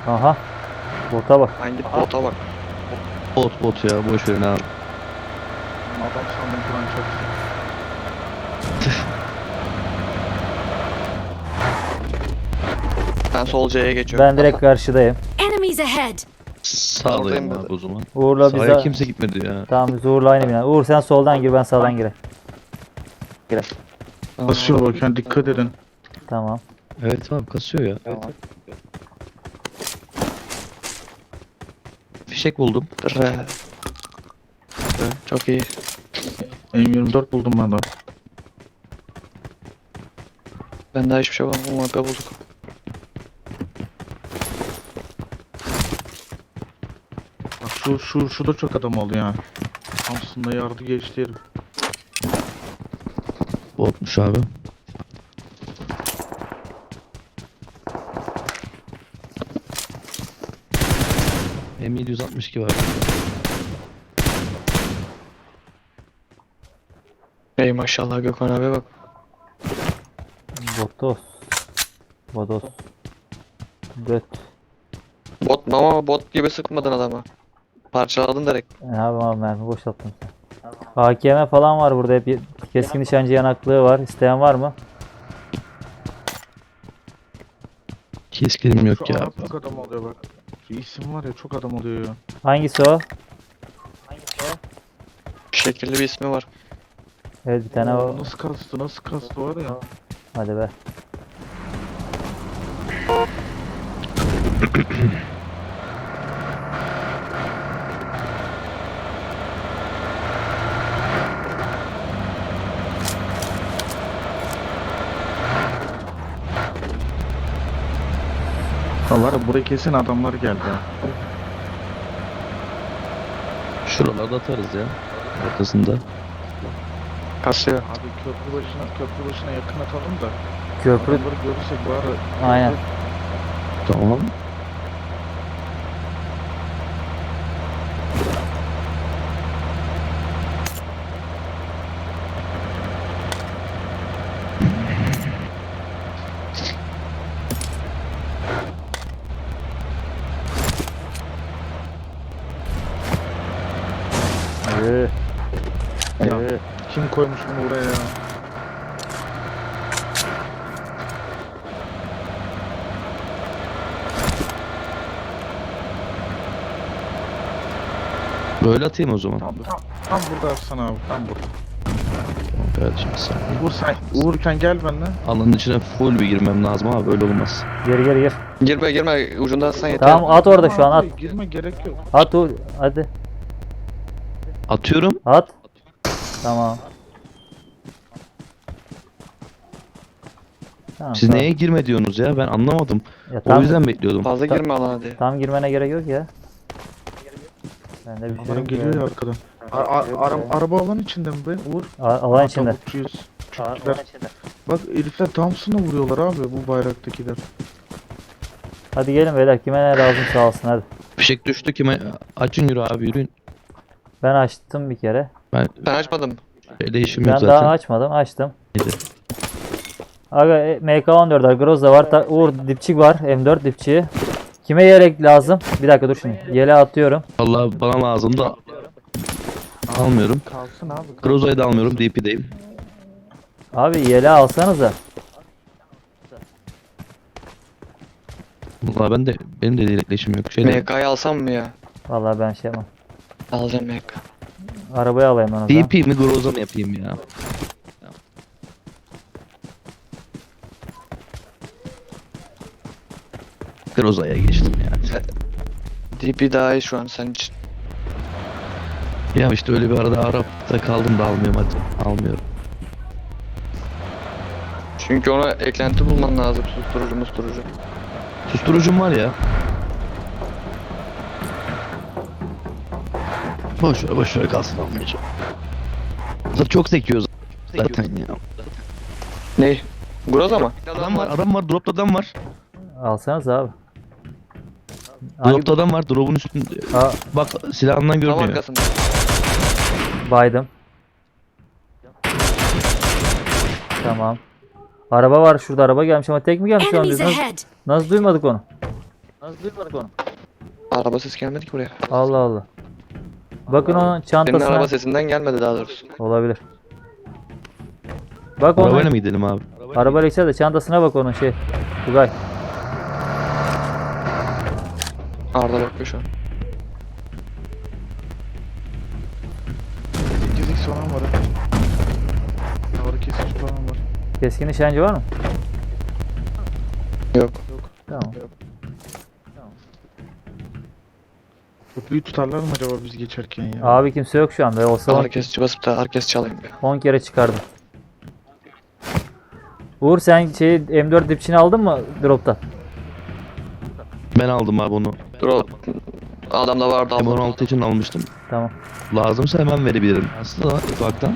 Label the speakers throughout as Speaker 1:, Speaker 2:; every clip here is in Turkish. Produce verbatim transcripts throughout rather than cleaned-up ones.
Speaker 1: Aha. Bota bak.
Speaker 2: Hangi bota bak.
Speaker 3: Bot bot ya, boş verin abi.
Speaker 4: Adam sandım Kur'an çok.
Speaker 2: Ben sol C'ye geçiyorum.
Speaker 1: Ben direkt karşıdayım.
Speaker 5: Enemies ahead!
Speaker 3: Sağdayım
Speaker 2: Oradayım
Speaker 3: abi
Speaker 2: ben.
Speaker 3: o zaman.
Speaker 1: Uğur'la
Speaker 3: Sahaya
Speaker 1: bize...
Speaker 3: kimse gitmedi ya.
Speaker 1: Tamam biz Uğur'la aynı bina. Uğur sen soldan gir, ben sağdan gireyim.
Speaker 4: Basıyor bak yani, dikkat edin.
Speaker 1: Tamam.
Speaker 3: Evet abi, kasıyor ya.
Speaker 2: Tamam.
Speaker 3: Fişek buldum.
Speaker 2: R. Çok iyi.
Speaker 4: M yirmi dört buldum ben de.
Speaker 2: Ben daha hiçbir şey bulamadım. U M P bulduk.
Speaker 4: Bak şu şu şu da çok adam oldu ya. Aslında yardı geçti herif.
Speaker 3: Botmuş abi. M yedi yüz altmış iki var.
Speaker 2: Ey maşallah Gökhan abi bak.
Speaker 1: Botos. Bodos. Göt.
Speaker 2: Bot ama bot gibi sıkmadın adama. Parçaladın direkt.
Speaker 1: Ne yapayım abi, mermi boşalttım sen. A K M falan var burada, hep keskin nişancı yanaklığı var. İsteyen var mı?
Speaker 3: Keskinim yok
Speaker 4: Şu
Speaker 3: ya.
Speaker 4: Arap çok adam oluyor bak. Şu isim var ya, çok adam oluyor ya.
Speaker 1: Hangisi o?
Speaker 2: Şekilli bir ismi var.
Speaker 1: Evet bir tane o.
Speaker 4: Nasıl kastı nasıl kastı var ya.
Speaker 1: Hadi be.
Speaker 4: Ha var ya, buraya kesin adamlar geldi ya.
Speaker 3: Şuralarda atarız ya. Ortasında.
Speaker 2: Kasıyor.
Speaker 4: Abi köprü başına köprü başına yakın atalım da.
Speaker 1: Köprü.
Speaker 4: Adamları görürsek bari.
Speaker 1: Aynen.
Speaker 3: Tamam.
Speaker 1: Ee,
Speaker 4: Ya,
Speaker 1: ee.
Speaker 4: kim koymuş bunu buraya ya?
Speaker 3: Böyle atayım o zaman.
Speaker 4: Tam, tam, tam burada Arslan abi, tam burada.
Speaker 3: Evet şimdi sen.
Speaker 4: Uğur sen, Uğurken gel benimle.
Speaker 3: Alanın içine full bir girmem lazım ama böyle olmaz.
Speaker 1: Gir gir gir.
Speaker 2: Girme girme ucunda atsan yeter.
Speaker 1: Tamam at orada şu an at.
Speaker 4: Abi, girme gerek yok.
Speaker 1: At Uğur. Hadi.
Speaker 3: Atıyorum.
Speaker 1: At. Tamam. Tamam,
Speaker 3: Siz
Speaker 1: tamam.
Speaker 3: neye girme diyorsunuz ya? Ben anlamadım.
Speaker 1: Ya,
Speaker 3: O
Speaker 1: tam,
Speaker 3: yüzden bekliyordum.
Speaker 2: Fazla
Speaker 1: Ta-
Speaker 2: girme alana diye.
Speaker 1: tam girmene gerek yok ya. Ben de bir şey
Speaker 4: Adamlar
Speaker 1: yok
Speaker 4: geliyor
Speaker 1: ya.
Speaker 4: ya arkadan. A- a- ara- araba alan içinde mi be Uğur?
Speaker 1: A- Alan içinde.
Speaker 4: Tavukçuyuz. Çocuklar. Bak herifler Thompson'la vuruyorlar abi, bu bayraktakiler.
Speaker 1: Hadi gelin beyler, kime ne lazım sağ olsun hadi.
Speaker 3: Fişek düştü kime? Açın yürü abi, yürüyün.
Speaker 1: Ben açtım bir kere.
Speaker 3: Ben
Speaker 2: Ben açmadım.
Speaker 3: değişim
Speaker 1: Ben
Speaker 3: yok
Speaker 1: daha
Speaker 3: zaten.
Speaker 1: açmadım, açtım.
Speaker 3: Neydi?
Speaker 1: Aga e, M K on dört var, Groza var, ta- Uğur dipçik var, M dört dipçiği. Kime yelek lazım? Bir dakika dur şimdi. Yele atıyorum.
Speaker 3: Vallahi bana lazım da almıyorum.
Speaker 4: Kalsın abi.
Speaker 3: Groza'yı da almıyorum. D P'deyim.
Speaker 1: Abi yele alsanıza.
Speaker 3: Vallahi ben de benim de yelekleşim yok. Şeyde
Speaker 2: M K'yı alsam mı ya?
Speaker 1: Vallahi ben şey yapmam.
Speaker 2: Alacağım M K.
Speaker 1: Arabayı alayım ben o
Speaker 3: D
Speaker 1: zaman.
Speaker 3: P mi Groza mı yapayım ya? Groza'ya geçtim ya.
Speaker 2: D P daha iyi şu an senin için.
Speaker 3: Ya işte öyle bir arada Arap'ta kaldım da almıyorum hadi. Almıyorum.
Speaker 2: Çünkü ona eklenti bulman lazım. Susturucu musturucu.
Speaker 3: Susturucum var ya. Boş ver boş ver kalsın, almayacağım. Zaten çok sekiyor zaten ya.
Speaker 2: Ne? Groza mı?
Speaker 3: Adam var, adam var, dropta adam var.
Speaker 1: Alsanız abi. Hangi
Speaker 3: Dropta adam var, drop'un üstünde.
Speaker 1: Aa,
Speaker 3: Bak silahından
Speaker 2: Tam
Speaker 3: görmüyor.
Speaker 2: arkasında.
Speaker 1: baydım. Tamam. Araba var şurada, araba gelmiş ama tek mi gelmiş şu an biz?
Speaker 5: Enemies
Speaker 1: Nasıl,
Speaker 5: ahead!
Speaker 1: nasıl duymadık onu? Nasıl duymadık onu?
Speaker 2: Araba sesi gelmedi ki buraya.
Speaker 1: Allah Allah. Bakın onun
Speaker 2: Senin
Speaker 1: çantasına.
Speaker 2: araba sesinden gelmedi daha doğrusu.
Speaker 1: Olabilir. Bak onun
Speaker 3: Arabayla mı gidelim abi?
Speaker 1: arabayla gitse de çantasına bak onun şey. Tugay.
Speaker 2: Arda bakıyor şu an.
Speaker 4: sekiz x falan var. ha. Ağrı kesici falan var.
Speaker 1: Keskin nişancı var mı?
Speaker 2: Yok.
Speaker 1: Tamam.
Speaker 4: Köprüyü tutarlar mı acaba biz geçerken ya?
Speaker 1: Abi kimse yok şu anda. Olsa on-
Speaker 2: Herkes basıp da herkes çalayım.
Speaker 1: on kere çıkardım. Uğur sen şey M dört dipçini aldın mı drop'tan?
Speaker 3: Ben aldım abi onu.
Speaker 2: Dur o. Adamda vardı
Speaker 3: M on
Speaker 2: aldım.
Speaker 3: altı için almıştım.
Speaker 1: Tamam.
Speaker 3: Lazımsa hemen verebilirim. Aslında ufaktan.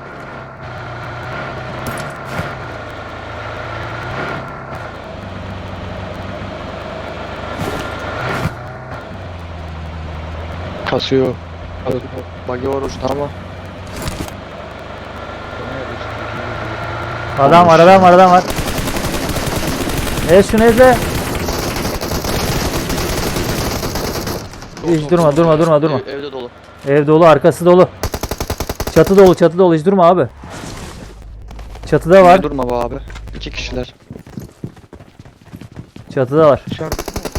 Speaker 2: Kasıyor. Bagi var uçta ama.
Speaker 1: Adam var adam var adam var. Ez şunu ezle. Hiç durma durma durma durma.
Speaker 2: Ev- evde dolu.
Speaker 1: Ev dolu arkası dolu. Çatı dolu çatı dolu hiç durma abi. Çatıda var.
Speaker 2: Durma be abi. İki kişiler.
Speaker 1: Çatıda var.
Speaker 4: Dışarı.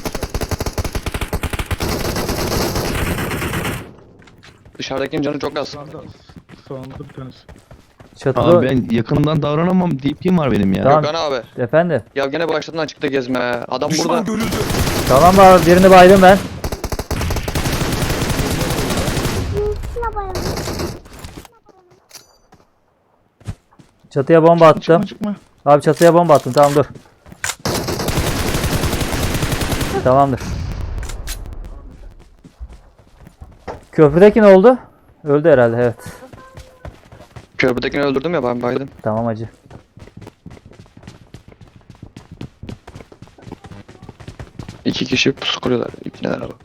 Speaker 2: Dışarıdakinin canı çok az.
Speaker 4: Sağında. Sağında bir tanesi.
Speaker 1: Çatıda.
Speaker 3: Abi ben yakından davranamam. D P'm var benim ya.
Speaker 1: Tamam.
Speaker 2: Gökhan abi.
Speaker 1: Efendim.
Speaker 2: Ya gene başladın açıkta gezme. Adam burada.
Speaker 1: Tamam abi birini baydım ben. Çatıya bomba attım.
Speaker 4: Çıkma çıkma.
Speaker 1: Abi çatıya bomba attım. Tamam dur. Tamamdır. Köprüdeki ne oldu? Öldü herhalde evet.
Speaker 2: Köprüdekini öldürdüm ya ben baydım.
Speaker 1: Tamam hacı.
Speaker 2: İki kişi pusu kuruyorlar. İpneler bak.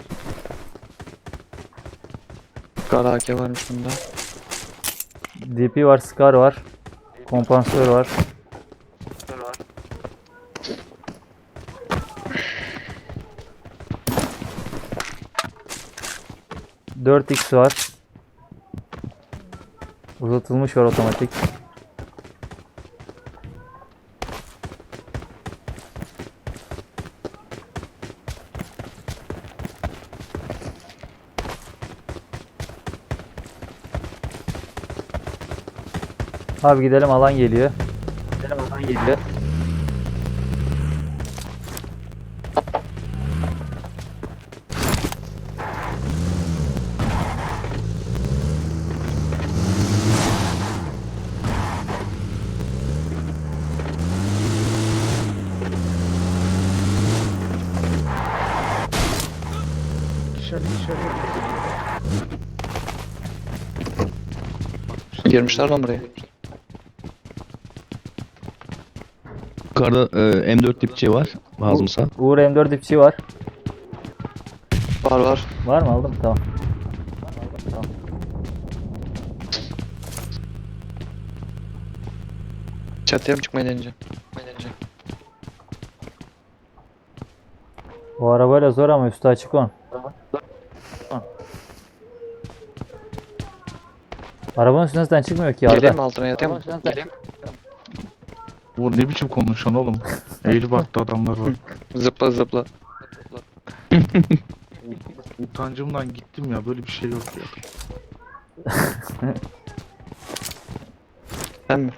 Speaker 2: Kara A K varmış bunda.
Speaker 1: D P var, Scar var. Kompansör var. dört x var. Uzatılmış var otomatik. Abi gidelim alan geliyor. Gidelim alan geliyor.
Speaker 4: Dışarı dışarı.
Speaker 2: Girmişler lan buraya.
Speaker 3: Yukarıda e, M dört dipçi var. Lazımsa.
Speaker 1: Uğur M dört dipçi var.
Speaker 2: Var var.
Speaker 1: Var mı aldım? Tamam. Tamam.
Speaker 2: Çatıya mı çıkmayı deneyeceğim? deneyeceğim.
Speaker 1: O arabayla zor ama üstü açık on. Arabanın üstünden zaten çıkmıyor ki
Speaker 2: Geleyim mi
Speaker 1: Arda.
Speaker 2: altına yatayım mı? Geleyim.
Speaker 4: Bu ne biçim konuşan oğlum? Eğri baktı adamlar var.
Speaker 2: Zıpla zıpla.
Speaker 4: Utancımdan gittim ya, böyle bir şey yok ya.
Speaker 2: Sen mi?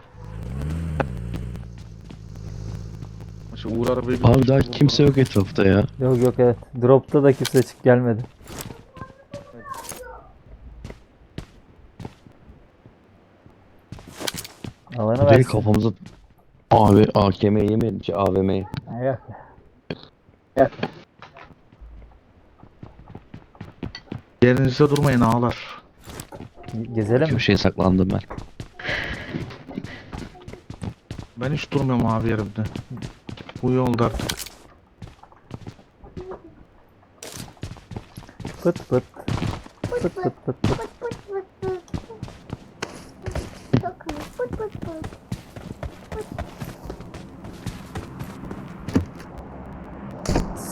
Speaker 4: Mesela Uğur arabayı
Speaker 3: Abi daha kimse yok etrafta ya.
Speaker 1: Yok yok evet. Drop'ta da kimse çık gelmedi. Alanı
Speaker 3: Direkt
Speaker 1: versin.
Speaker 3: kafamıza... Abi A K M'yi yemeyelim ki A V M'yi.
Speaker 1: Yok.
Speaker 4: Yerinizde durmayın ağlar.
Speaker 1: Gezelim mi?
Speaker 3: Köşeye saklandım ben.
Speaker 4: Ben hiç durmuyorum abi yerimde. Bu yolda artık.
Speaker 1: Pıt pıt. Pıt pıt pıt pıt.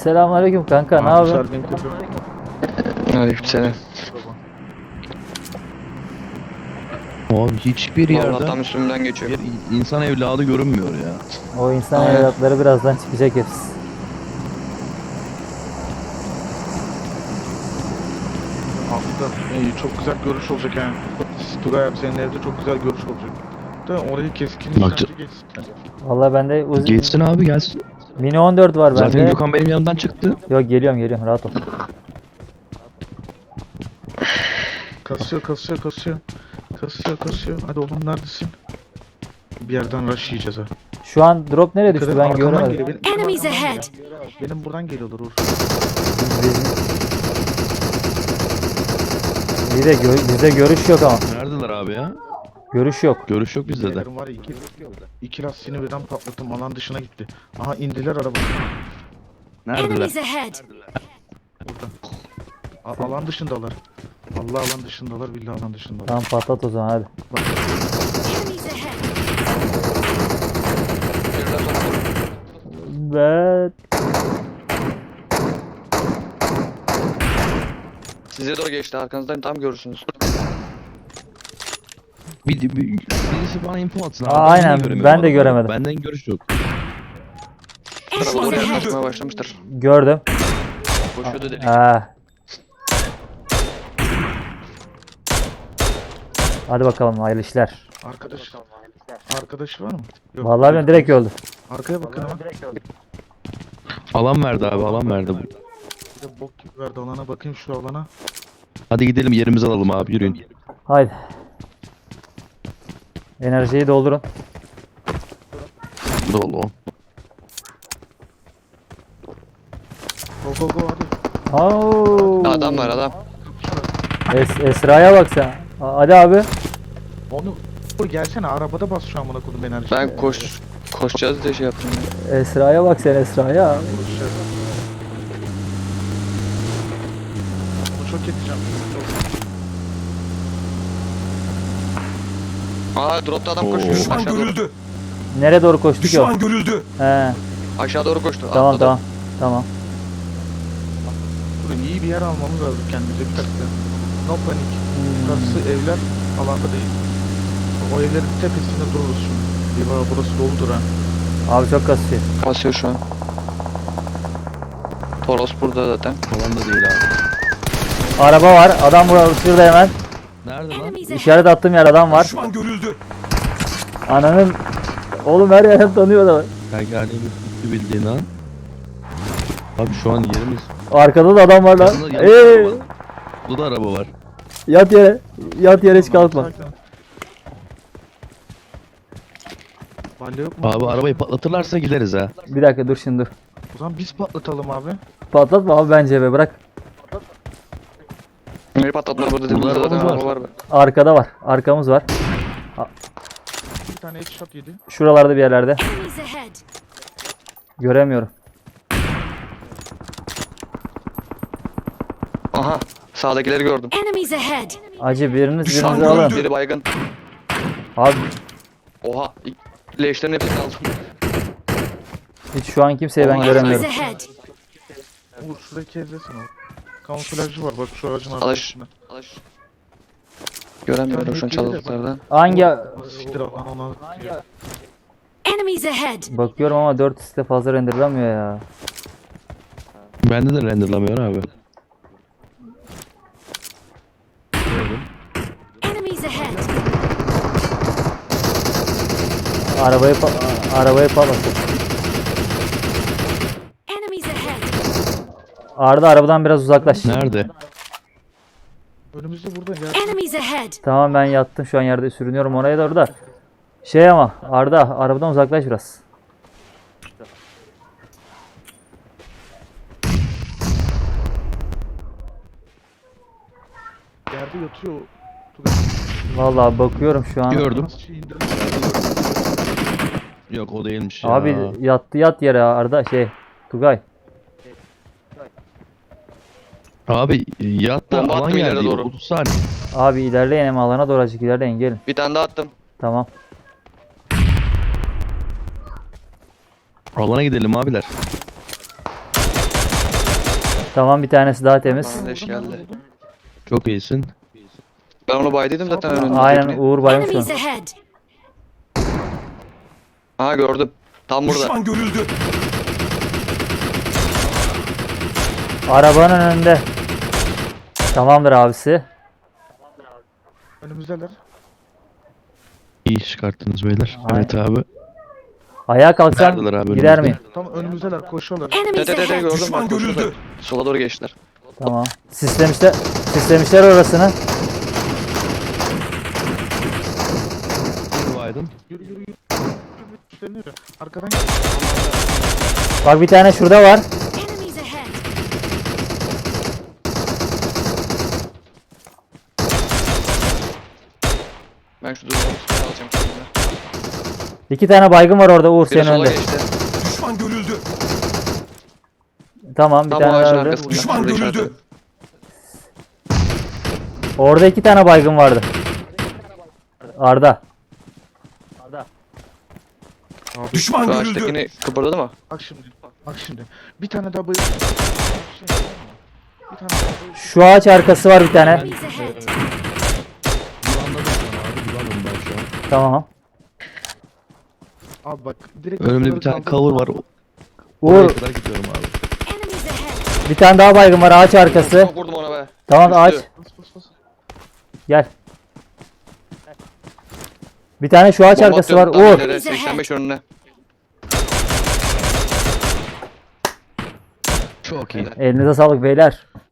Speaker 1: Selamünaleyküm kanka, ne
Speaker 4: Abi
Speaker 1: yapıyorsun?
Speaker 4: Sergen köprü.
Speaker 2: Aleykümselam.
Speaker 3: Abi hiçbir
Speaker 2: Vallahi
Speaker 3: yerde
Speaker 2: tam üstümden geçiyor.
Speaker 3: bir insan evladı görünmüyor ya.
Speaker 1: O insan
Speaker 2: Aynen.
Speaker 1: evlatları birazdan çıkacak hepsi.
Speaker 4: Aslında iyi, çok güzel görüş olacak yani. Tugay abi senin evde çok güzel görüş olacak. Da orayı keskin
Speaker 3: Bak-
Speaker 4: nişancı geçsin.
Speaker 1: Vallahi bende Uzi...
Speaker 3: Geçsin abi gelsin.
Speaker 1: Mini on dört var
Speaker 3: Zaten
Speaker 1: bende.
Speaker 3: Gökhan benim yanımdan çıktı.
Speaker 1: Yok geliyorum geliyorum, rahat ol.
Speaker 4: Kasıyor kasıyor kasıyor. Kasıyor kasıyor. Hadi oğlum neredesin? Bir yerden rush yiyeceğiz ha.
Speaker 1: Şu an drop nereye düştü
Speaker 4: Dikkat et,
Speaker 1: ben
Speaker 4: arkamdan
Speaker 1: göremedim.
Speaker 4: geliyor. Benim, benim
Speaker 5: Enemies
Speaker 4: arkamdan
Speaker 5: ahead.
Speaker 4: geliyor. Benim buradan geliyorlar Uğur.
Speaker 1: İyi de gö- bizde görüş yok ama.
Speaker 3: Neredeler abi ya?
Speaker 1: Görüş yok.
Speaker 3: Görüş yok bizde de.
Speaker 4: Benim var ya iki, iki lastiğini birden patlattım. Alan dışına gitti. Aha indiler araba.
Speaker 3: Neredeler?
Speaker 5: Enemies ahead.
Speaker 4: Burada. A- alan dışındalar. Allah alan dışındalar. Billahi alan dışındalar.
Speaker 1: Tamam patlat o zaman hadi.
Speaker 5: Enemies ahead.
Speaker 1: Ben...
Speaker 2: Size doğru geçti, arkanızdan tam görürsünüz.
Speaker 3: Bir, bir, birisi bana info atsın.
Speaker 1: Aa,
Speaker 3: abi.
Speaker 1: aynen,
Speaker 3: niye göremiyorum
Speaker 1: ben de
Speaker 3: adamı?
Speaker 1: göremedim.
Speaker 3: Benden görüş yok.
Speaker 2: Tarafa doğru
Speaker 5: Enemies ahead.
Speaker 2: yaklaşmaya başlamıştır.
Speaker 1: Gördüm.
Speaker 2: Koşuyordu dedik.
Speaker 1: Ha. Hadi bakalım, hayırlı işler.
Speaker 4: Arkadaş. Arkadaş var mı? Yok.
Speaker 1: Vallahi ben direkt öldü.
Speaker 4: Arkaya bakın ama.
Speaker 3: Alan verdi abi alan verdi.
Speaker 4: Bir de bok gibi verdi alana. Bakayım şu alana.
Speaker 3: Hadi gidelim yerimizi alalım abi yürüyün.
Speaker 1: Haydi. Enerjiyi doldurun.
Speaker 3: Dolu.
Speaker 4: Go go go hadi.
Speaker 1: Oo.
Speaker 2: Adam var adam.
Speaker 1: Es- Esra'ya bak sen. A- Hadi abi.
Speaker 4: Onu Dur gelsene arabada bas şu an bana kodum enerji.
Speaker 2: Ben koş koşacağız diye şey yaptım ya.
Speaker 1: Esra'ya bak sen, Esra'ya.
Speaker 4: Bunu çok edeceğim.
Speaker 2: Aa, dropta adam
Speaker 3: Oo.
Speaker 2: koşuyor.
Speaker 6: Düşman
Speaker 2: Aşağı doğru,
Speaker 6: görüldü.
Speaker 1: Nereye doğru koştu ki o?
Speaker 6: Düşman görüldü.
Speaker 1: He.
Speaker 2: aşağı doğru koştu.
Speaker 1: Tamam
Speaker 2: atladı.
Speaker 1: tamam. Tamam.
Speaker 4: Durun iyi bir yer almamız lazım kendimize bir dakika. No panik. Burası evler alanda değil. O evlerin tepesinde dururuz şimdi. Eyvah burası doludur ha.
Speaker 1: Abi çok kasıyor.
Speaker 2: Basıyor şu an. Toros burada zaten.
Speaker 3: Alan da değil abi.
Speaker 1: Araba var. Adam burada, şurada hemen.
Speaker 3: Nerede lan?
Speaker 5: Enemies ahead.
Speaker 1: İşaret attığım yer adam var.
Speaker 6: Düşman görüldü.
Speaker 1: Ananın... Oğlum her yerden tanıyor da.
Speaker 3: Kanka hani bir bildiğin an. Abi şu an yerimiz.
Speaker 1: Arkada da adam var lan.
Speaker 3: Yanında- yanında
Speaker 1: Eee.
Speaker 3: araba var. Burada da araba var.
Speaker 1: Yat yere. Yat yere hiç kalkma.
Speaker 4: Sakin ol. Balya yok mu?
Speaker 3: Abi arabayı patlatırlarsa gideriz ha.
Speaker 1: Bir dakika dur şimdi dur.
Speaker 4: O zaman biz patlatalım abi.
Speaker 1: Patlatma abi bence be, bırak.
Speaker 2: Neyi patlatmadı burada dedim.
Speaker 3: Burada
Speaker 2: Burada zaten
Speaker 3: arabamız
Speaker 2: araba
Speaker 3: var.
Speaker 2: var be.
Speaker 1: Arkada var. Arkamız var.
Speaker 4: Bir tane headshot yedi.
Speaker 1: Şuralarda bir yerlerde.
Speaker 5: Enemies ahead.
Speaker 1: Göremiyorum.
Speaker 2: Aha, sağdakileri gördüm.
Speaker 5: Enemies ahead.
Speaker 1: Acı biriniz
Speaker 6: Düşman
Speaker 1: birinizi alın.
Speaker 6: görüldü.
Speaker 2: Biri baygın.
Speaker 1: Abi
Speaker 2: Oha, ilk- leşlerin hepsini aldım.
Speaker 1: hiç şu an kimseyi ben
Speaker 2: Enemies
Speaker 1: göremiyorum.
Speaker 5: Enemies ahead.
Speaker 4: Uğur şurayı kezlesin o. Kamuflajcı var bak şu ağacın
Speaker 2: Alış.
Speaker 4: arkasında.
Speaker 2: Alış. Göremiyorum şu an çalılıklardan.
Speaker 1: Hangi...
Speaker 4: Siktir al lan ona.
Speaker 5: Enemies ahead.
Speaker 1: Bakıyorum ama dört x'te fazla renderlamıyor ya.
Speaker 3: Bende de renderlamıyor abi.
Speaker 5: Enemies ahead.
Speaker 1: Arabayı pa arabayı patlatın.
Speaker 5: Enemies ahead.
Speaker 1: Arda arabadan biraz uzaklaş.
Speaker 3: Nerede?
Speaker 4: Önümüzde burada gel.
Speaker 5: Enemies ahead.
Speaker 1: Tamam ben yattım şu an yerde sürünüyorum oraya doğru da. Şey ama Arda arabadan uzaklaş biraz.
Speaker 4: Yerde yatıyor. Tugay.
Speaker 1: Vallahi bakıyorum şu an.
Speaker 3: Gördüm.
Speaker 4: Nasıl şey indirdim?
Speaker 3: Yok o değilmiş ya.
Speaker 1: Abi yattı yat yere Arda şey Tugay.
Speaker 3: Abi yatta
Speaker 2: Bomba
Speaker 3: alan
Speaker 2: attım ileri
Speaker 3: geldi.
Speaker 2: doğru.
Speaker 3: otuz saniye.
Speaker 1: Abi ilerleyin hem alana doğru azıcık ilerleyin gelin.
Speaker 2: Bir tane daha attım.
Speaker 1: Tamam.
Speaker 3: Alana gidelim abiler.
Speaker 1: Tamam, bir tanesi daha temiz.
Speaker 2: Bana leş geldi.
Speaker 3: Çok iyisin.
Speaker 2: Ben onu baydıydım zaten önünde.
Speaker 1: Aynen, Uğur baymış
Speaker 5: Enemies
Speaker 1: onu.
Speaker 5: ahead.
Speaker 2: Ha gördüm. Tam burada.
Speaker 6: Düşman görüldü.
Speaker 1: Arabanın önünde. Tamamdır abisi.
Speaker 4: Önümüzdeler.
Speaker 3: İyi iş çıkarttınız beyler.
Speaker 1: Aynen.
Speaker 3: Evet abi.
Speaker 1: Ayağa kalksam
Speaker 3: Neredeler abi
Speaker 1: gider
Speaker 3: önümüzde?
Speaker 1: miyim?
Speaker 4: Tam önümüzdeler koşuyorlar.
Speaker 5: Enemies
Speaker 2: Dede dede
Speaker 5: ahead.
Speaker 2: gördüm
Speaker 6: Düşman
Speaker 2: bak.
Speaker 6: görüldü.
Speaker 2: koşuyorlar. Sola doğru geçtiler.
Speaker 1: Tamam. Sislemişler. Sislemişler orasını.
Speaker 3: Yürü Aydın.
Speaker 4: Yürü yürü yürü. Üstleniyor. Arkadan gel.
Speaker 1: Bak, bir tane şurada var.
Speaker 5: Enemies ahead.
Speaker 2: Ben şu durumu alacağım kendime.
Speaker 1: İki tane baygın var orada Uğur
Speaker 2: Biri
Speaker 1: senin
Speaker 2: sola
Speaker 1: önünde.
Speaker 2: geçti.
Speaker 6: Düşman görüldü.
Speaker 1: Tamam, bir
Speaker 2: Tam
Speaker 1: tane
Speaker 2: ağacın
Speaker 1: daha öldü.
Speaker 2: arkasında.
Speaker 6: Düşman
Speaker 2: Şurada
Speaker 6: görüldü.
Speaker 2: işaretledim.
Speaker 1: Orada iki tane baygın vardı. Arda.
Speaker 6: Düşman
Speaker 2: Şu
Speaker 6: görüldü.
Speaker 2: ağaçtakini kıpırdadı mı?
Speaker 4: Bak şimdi. Bak şimdi. Bir tane daha bayıl. Bir tane daha bayıl.
Speaker 1: Şu ağaç arkası var bir tane.
Speaker 5: Enemies ahead.
Speaker 3: Anladım şu an abi. Güvendim ben şu an.
Speaker 1: Tamam.
Speaker 4: Abi bak direkt
Speaker 3: Önümde bir tane
Speaker 4: kaldır.
Speaker 3: cover var. Oraya
Speaker 1: Uğur,
Speaker 3: kadar gidiyorum abi.
Speaker 5: Enemies ahead.
Speaker 1: bir tane daha baygın var ağaç arkası.
Speaker 2: Çok vurdum ona be.
Speaker 1: Tamam,
Speaker 2: Üstü.
Speaker 1: ağaç.
Speaker 4: Bas bas bas.
Speaker 1: Gel. Bir tane şu ağaç
Speaker 2: Bomba
Speaker 1: arkası var.
Speaker 2: atıyorum tam
Speaker 1: Uğur.
Speaker 2: ileri, seksen beş önüne.
Speaker 3: Çok iyi.
Speaker 1: Elinize sağlık beyler.